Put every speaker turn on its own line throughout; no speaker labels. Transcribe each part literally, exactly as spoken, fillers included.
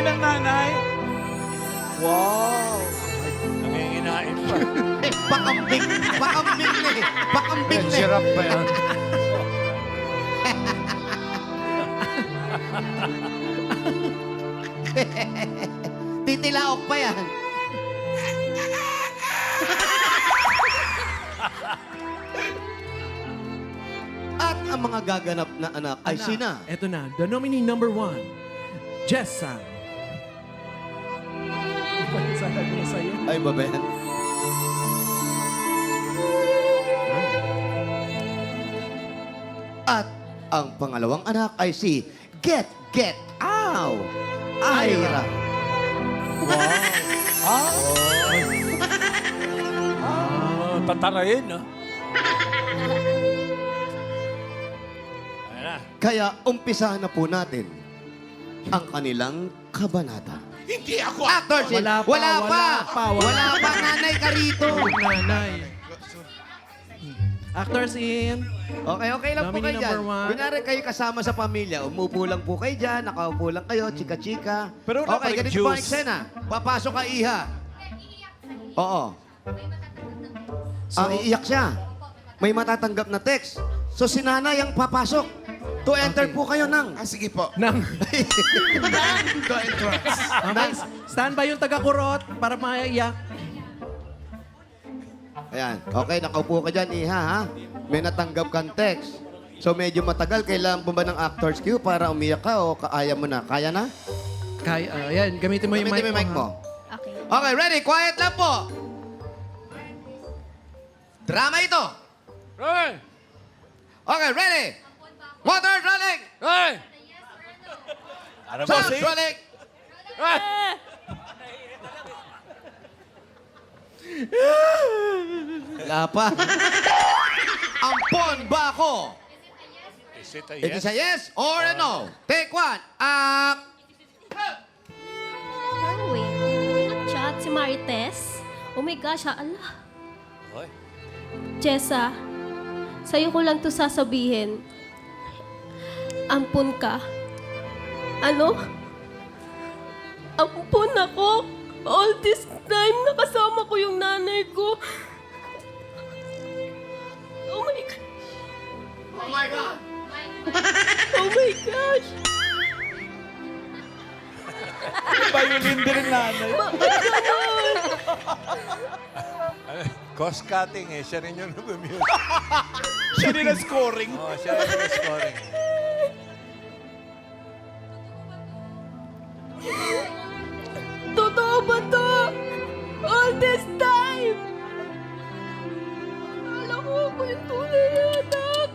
ng nanay. Wow.
Nanginginain pa.
Eh, pakambing. Pakambing na eh. Pakambing na eh.
Sirap pa yan.
Titilaok pa yan. At ang mga gaganap na anak ay
Anak,
sina.
Eto na, the nominee number one, Jessa. Ipasalag ko sa'yo.
Ay, babe. At ang pangalawang anak ay si Get Get Ow! Ira.
Ah, tatarayin, no? Ayan na.
Kaya umpisahan na po natin ang kanilang kabanata.
Hindi ako.
Actors,
Wala pa,
wala pa.
wala pa, wala
Wala pa, nanay ka rito.
Nanay. Actors in.
Okay, okay lang po
Nominee
kayo dyan.
number one.
Kunyari kayo kasama sa pamilya, umupo lang po kayo dyan, nakaupo lang kayo, chika-chika.
Pero wala pa
okay,
rin
ganito po ang
juice.
eksena. Papasok ka, Iha. Oo. Ang iiyak siya. May matatanggap na text. So si nanay ang papasok. To enter po kayo ng...
Ah, sige po.
Nang.
Go entrance.
Okay, stand by yung taga-kurot para maiyak.
Ayan. Okay, nakaupo ka dyan, Iha, ha? May natanggap kang text. So medyo matagal. Kailangan po ba ng actor's cue para umiyak ka o kaya mo na? Kaya na?
Kaya, uh, yan, gamitin mo yung
Gamitin
mic,
mo yung mic
mo.
mo.
Okay.
Okay, ready? Quiet lang po. Drama ito.
Hey!
Okay, ready? Water rolling.
Hey! Ano ba
Sound
si?
rolling.
Hey!
Wala pa. Ampon ba ako?
Is it a
It
yes?
is a yes or a no. Take one. Ah,
Parang wait, may nag-chat si Marites. Oh my gosh, ha? Ala.
Hoy.
Jessa, sa'yo ko lang to sasabihin. Ampun ka. Ano? Ampun ako. All this time, nakasama ko yung nanay ko. Oh my God.
oh my God.
Oh my gosh.
Violin din ang nanay.
Bakit ganun?
Cost cutting eh. Siya rin yung nag-mute.
Siya din ang scoring.
Oo, siya rin yung scoring.
Totoo ba to? All this time? Akala ko ako yung tunay na anak.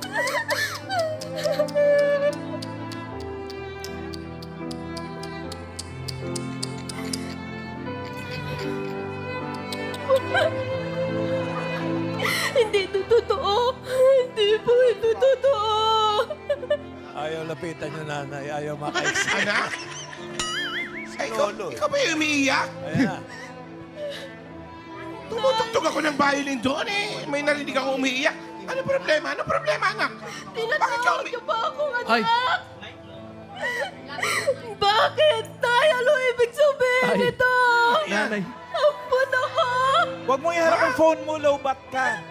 Hindi ito totoo. Hindi po ito totoo.
Ayaw lapitan yung nanay. Ayaw makaiksi.
Anak? Ay, ikaw,
Lolo.
ikaw ba yung umiiyak?
Ayan na.
Tumutugtog ako ng violin doon eh. May narinig ako umiiyak. Ano problema? Ano problema, anak? Bakit ka
Tinatawag
umi...
niyo ba akong anak?
Ay.
Bakit? Tay, ano ibig sabihin
Ay.
nito?
Nanay.
Ampun ako!
Huwag mo iharap ang phone mo, low bat ka.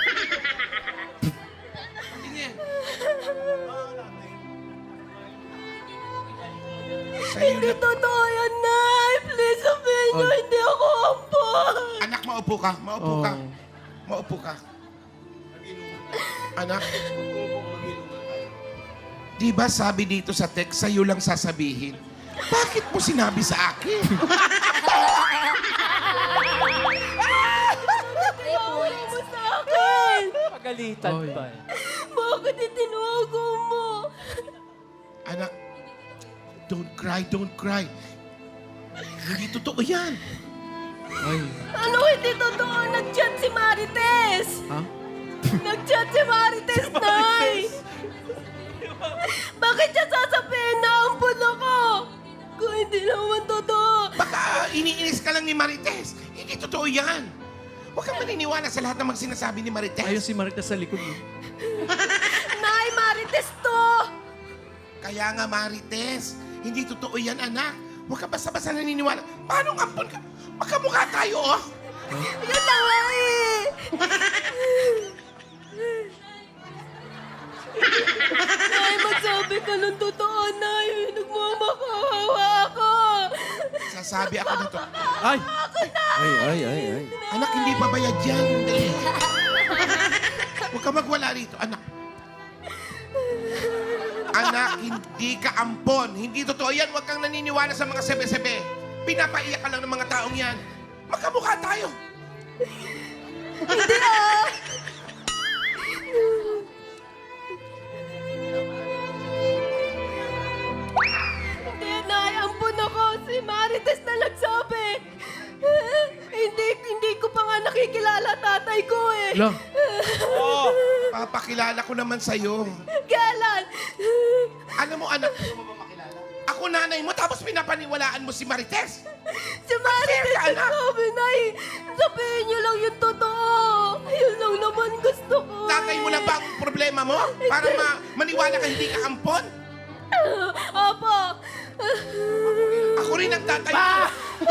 Sa'yo
Hindi
na...
totoo yan, Nay! Please sabihin niyo,
Ay.
hindi ako ampun!
Anak, maupo ka. Maupo ka.
Oh.
Maupo ka. Anak. Di ba sabi dito sa text, sa'yo lang sasabihin? Bakit mo sinabi sa akin?
Tinawag mo sa akin!
Pagalitan
Oy.
pa.
Bakit itinawago mo?
Anak, don't cry, don't cry. Hindi totoo yan.
Ay.
Ano hindi totoo? Nag-chat si Marites!
Ha?
Nag-chat si Marites, Nay! Bakit siya sasabihin na ampun ako? Kung hindi naman totoo.
Baka iniinis ka lang ni Marites. Hindi totoo yan. Huwag kang maniniwala sa lahat ng mga sinasabi ni Marites.
Ayun si Marita sa likod mo.
Nay, Marites to!
Kaya nga, Marites, hindi totoo yan, anak. Huwag ka basta-basta naniniwala. Paano ang ampon ka? Magkamukha tayo, oh.
Yun na nga eh. Nay, magsabi ka ng totoo, Nay. Nagmamakawawa ako.
Sasabi ako nito.
Ay! Ay, ay, ay, ay.
Anak, hindi pa bayad yan. Dali. Huwag ka magwala rito, anak. Anak, hindi ka ampon. Hindi totoo yan. Huwag kang naniniwala sa mga sebe-sebe. Pinapaiyak ka lang ng mga taong yan. Magkamukha tayo.
Hindi ah. Hindi, Nay. Ampun ako. Si Marites na nagsabi. Hindi, hindi ko pa nga nakikilala tatay ko eh.
Lo,
Oh,
Papakilala ko naman sa'yo.
Kailan?
Alam mo, anak, ako nanay mo, tapos pinapaniwalaan mo si Marites.
Si Marites
ka, anak.
nagsabi, Nay. Sabihin niyo lang yung totoo. Yun lang naman gusto ko.
Tatay mo lang ba ang problema mo? Para ma maniwala ka hindi ka ampon?
Opo.
Ako rin ang tatay mo.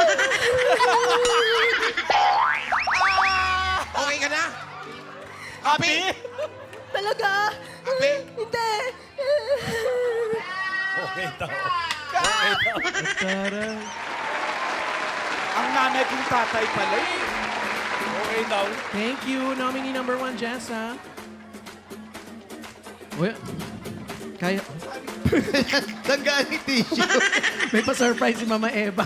Okay ka na? Api?
Talaga?
Api?
Hindi.
okay daw. Okay daw.
taray.
Ang nanay kong tatay pala eh. Okay daw.
Thank you, nominee number one, Jessa. Uy, kaya,
Tanggalin yung tissue.
may pa-surprise si Mama Eva.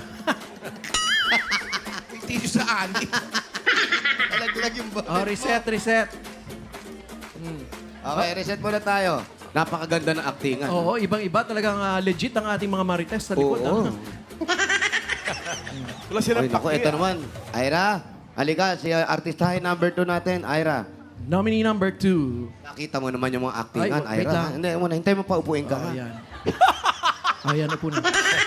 May tissue sa ani.
Alaglag yung ba?
Oh, reset, reset.
Okay, reset muna tayo. Napakaganda ng actingan.
Oo, ibang-iba. Talagang ah, legit ang ating mga Marites sa likod.
Oo.
ah.
Wala silang
Ay, naku,
paki,
ito
ah.
naman. Ira, halika. Si uh, artistahin number two natin, Ira.
Nominee number two.
Nakita mo naman yung mga actingan,
Ay, wait
Ira.
lang.
Hindi, muna. Hintay mo pa upuin ka.
Oh,
ha?
ayan. Ayan na po na.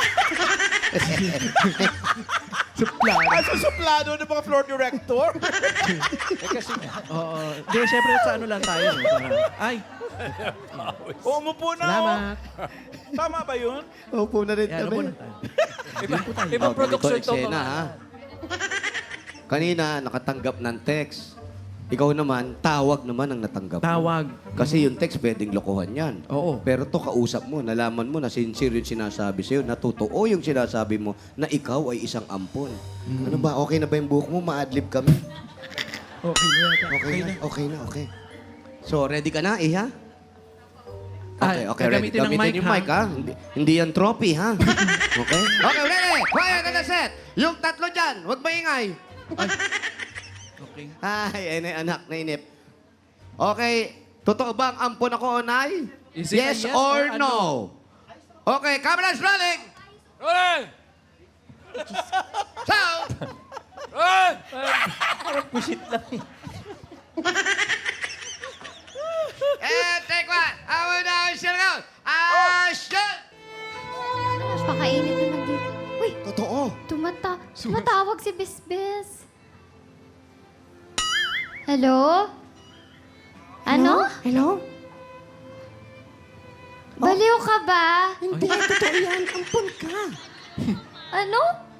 Suplado.
Ah, susuplado ng mga floor director. eh kasi
Oo. Hindi, syempre sa ano lang tayo. No? Para- Ay,
oh, umupo na.
salamat.
Oh. Tama ba yun?
Upo na rin
Ayan, ano po
kami.
na tayo.
Iba,
Oh,
ibang production
ganito
to.
eksena, ha? Kanina, nakatanggap ng text. Ikaw naman, tawag naman ang natanggap mo.
Tawag.
Kasi yung text, pwedeng lokohan yan.
Oo.
Pero to kausap mo, nalaman mo na sincere yung sinasabi sa'yo, na totoo yung sinasabi mo, na ikaw ay isang ampon. Ano ba, okay na ba yung buhok mo? Ma-adlib kami?
Okay na yata.
Okay na, okay na, okay. So, ready ka na, Iha?
Ay,
Okay, okay, ready.
gagamitin ng
Gamitin
mic,
yung
ha?
mic, ha? Hindi, hindi yan trophy, ha? Okay? Okay, ready? Quiet on the set. Yung tatlo dyan, huwag maingay.
Okay.
Ay, ay, anak, nainip. Okay, totoo bang ampon ako, Onay?
Is it a
Yes,
yes
or,
or a
no? Okay, cameras rolling!
Rolling!
Sound!
Rolling!
Pushit lang eh.
And take one. I will now shut out. Action!
Napakainit naman dito. Uy,
Totoo.
tumata tumatawag si Bisbis. Hello? Ano?
Hello?
Baliw ka ba?
Hindi, totoo yan. Ampon ka.
Ano?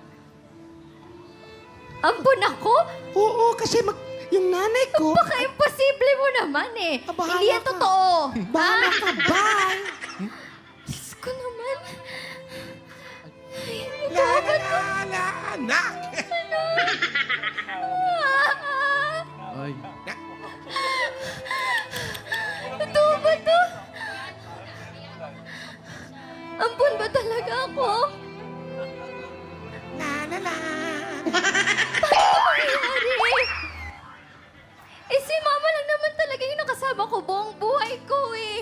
Ampun ako?
Oo, kasi mag... Yung nanay ko...
Baka imposible mo naman eh.
Ah, bahala
Hindi yan
ka.
totoo.
Bahala
Ha?
ka, bye!
Diyos ko naman.
La, la, la, la, anak.
Ay.
Totoo ba to? Ampun ba talaga ako?
La, la, la.
Nangyari? Eh, si Mama lang naman talaga yung nakasama ko buong buhay ko eh.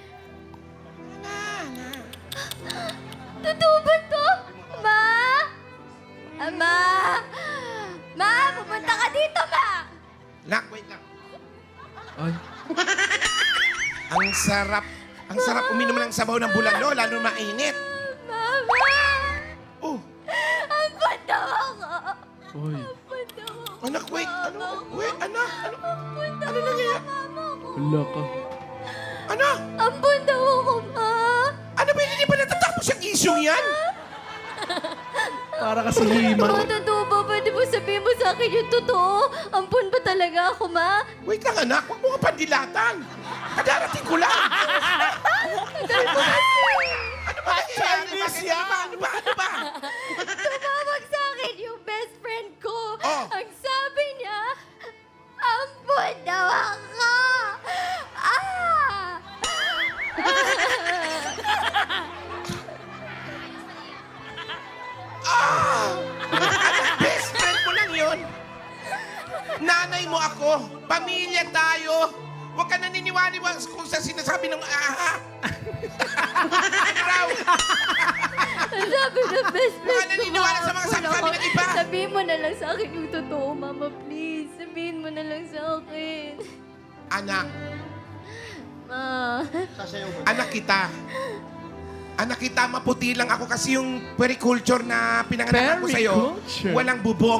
Totoo ba to? Ma? Ama? Ma, pumunta ka dito, Ma!
Nak, wait lang.
Ay.
Ang sarap. Ang sarap uminom ng sabaw ng bulalo, lalo mainit.
Mama!
Oh,
Ampun daw ako!
Uy.
Ampun daw ako!
anak, wait. Ano? Wait, anak. Ano?
Ampun daw
Ano nangyayari?
Mama ko!
Wala ka.
Ano?
Ampun daw ako, Ma!
Ano ba hindi pa natatapos yung issue yan?
Para kasi himan.
Ma, totoo ba? Pwede mo sabihin mo sa akin yung totoo? Ampun ba talaga ako, ma?
Wait lang, anak. Huwag mo ka pandilatan. Kadarating ko lang.
Dahil ko kasi
Ano ba nangyayari?
Chinese
Bakit? Ano ba? Ano ba? Ano ba?
tumawag sa akin yung best friend ko.
Oh.
Ang sabi niya, ampun daw ako. Ah!
Anak, best friend mo lang yun. Nanay mo ako. Pamilya tayo. Huwag ka naniniwali kung sa sinasabi ng aha. Ano raw?
Ang sabi ng best friend
Baka
ko,
naniniwala sa mga
ma,
sabi-sabi
ampun
ng iba.
ako. Sabihin mo na lang sa akin yung totoo, mama, please. Sabihin mo na lang sa akin.
Anak,
Ma.
anak kita. Anak kita, maputi lang ako kasi yung periculture na pinanganak ko sa'yo,
Periculture?
walang bubong.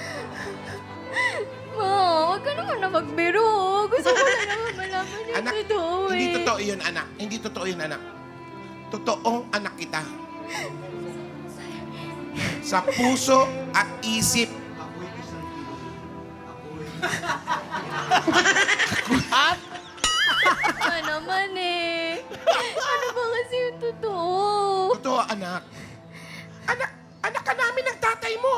Ma, huwag ka naman na magbiro. Gusto ko lang naman malaman yung
Anak,
totoo eh.
hindi totoo yun, anak. Hindi totoo yun, anak. Totoong anak kita. Sa puso at isip.
Ano naman eh. Ano ba kasi yung totoo?
Totoo, anak. Anak, anak ka namin ng tatay mo.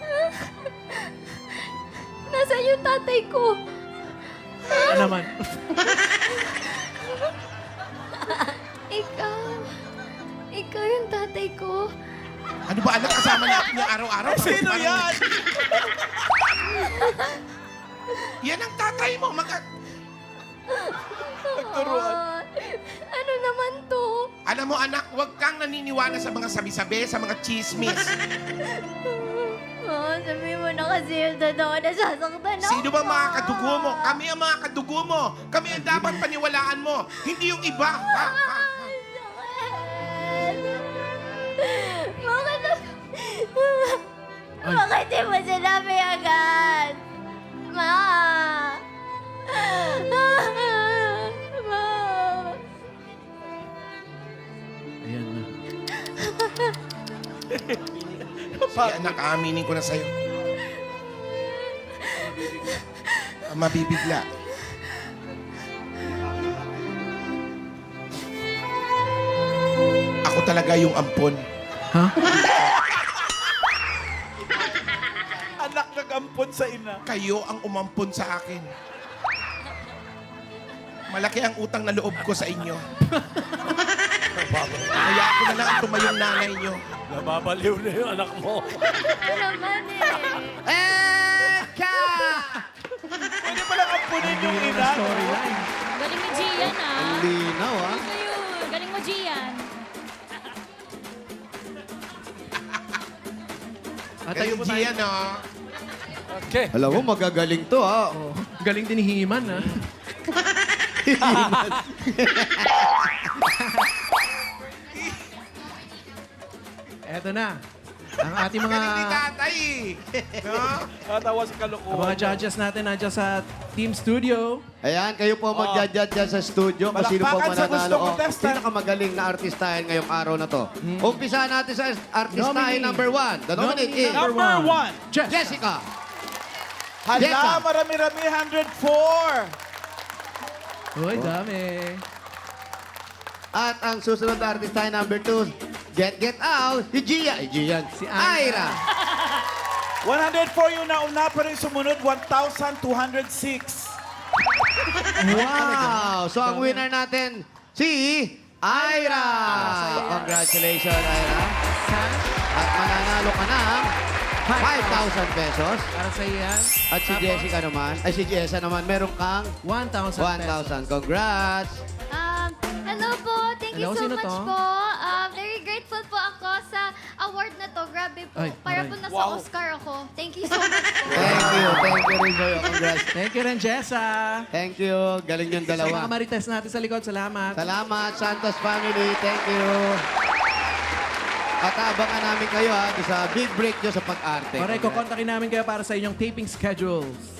Nasaan yung tatay ko?
Ano naman?
Ikaw. Ikaw yung tatay ko.
Ano ba, anak? Kasama natin yung araw-araw.
Sino
Parang-
yan?
Yan ang tatay mo. Mag
Nagturuan.
Ah, ano naman to?
Alam mo, anak, huwag kang naniniwala sa mga sabi-sabi, sa mga chismis.
Oh, sabihin mo na kasi yung totoo, nasasaktan ako.
Sino ba mga kadugo mo? Kami ang mga kadugo mo. Kami ang dapat paniwalaan mo. Hindi yung iba. Ha? Ha?
Bakit? Bakit di mo sinabi agad? Ma! Ma!
Ayan na.
Sige, anak, aaminin ko na sa'yo. Ah, Mabibigla. Ako talaga yung ampon.
Ha?
Anak nag-ampon sa ina.
Kayo ang umampon sa akin. Malaki ang utang na loob ko sa inyo. Kaya ako na lang ang tumayong nanay nyo.
Nababaliw na yung anak mo.
Ano naman eh?
Eka!
Pwede pa lang ampunin yung
Hindi
ina.
na storyline.
Galing mo, Gian, ah.
Ang linaw, ah.
Ayun, galing mo, Gian.
At tayo po tayo.
Gian, no?
Okay.
Alam mo, magagaling to, ah.
Oh, galing din ni Himan, ha? Eto na. Ang ating mga
Galing ni tatay, eh. No?
Natawa sa
ang
kalokohan.
mga judges natin nandiyan sa Team Studio.
Ayan, kayo po magja-judge dyan sa studio kung sino po
Palakpakan sa
mananalo.
gustong
O,
contestant.
pinakamagaling na artistahin ngayong araw na to. Umpisa natin sa artistahin
Nominee.
number one. The nominee
Nominee
is
Number one.
Jess.
Jessica.
Hala,
Jessa.
marami-rami, one hundred four.
Uy, dami.
At ang susunod na artistahin number two, Get Get Out, si Gia. Eh, Gian.
Si Ira.
Ira.
one hundred four yung nauna, pero yung sumunod, one thousand two hundred six.
Wow! So ang winner natin, si Ira. Congratulations, Ira. At mananalo ka ng five thousand pesos.
Para sa iyan.
At si Jessica naman, ay si Jessa naman, meron kang
one thousand
one thousand. Congrats!
Um, hello po. Thank
Hello,
you so
sino
much
to?
po. Um, very grateful po ako sa award na to. Grabe po.
Ay,
Para
aray.
po nasa
Wow.
Oscar ako. Thank you so much po.
Thank you. Thank you rin sa'yo. Congrats.
Thank you rin, Jessa.
Thank you. Galing yung
Sa mga
dalawa.
marites natin sa likod, salamat.
Salamat, Santos family. Thank you. At abangan namin kayo ha, sa big break nyo sa pag-arte.
Correct, kukontakin namin kayo para sa inyong taping schedules.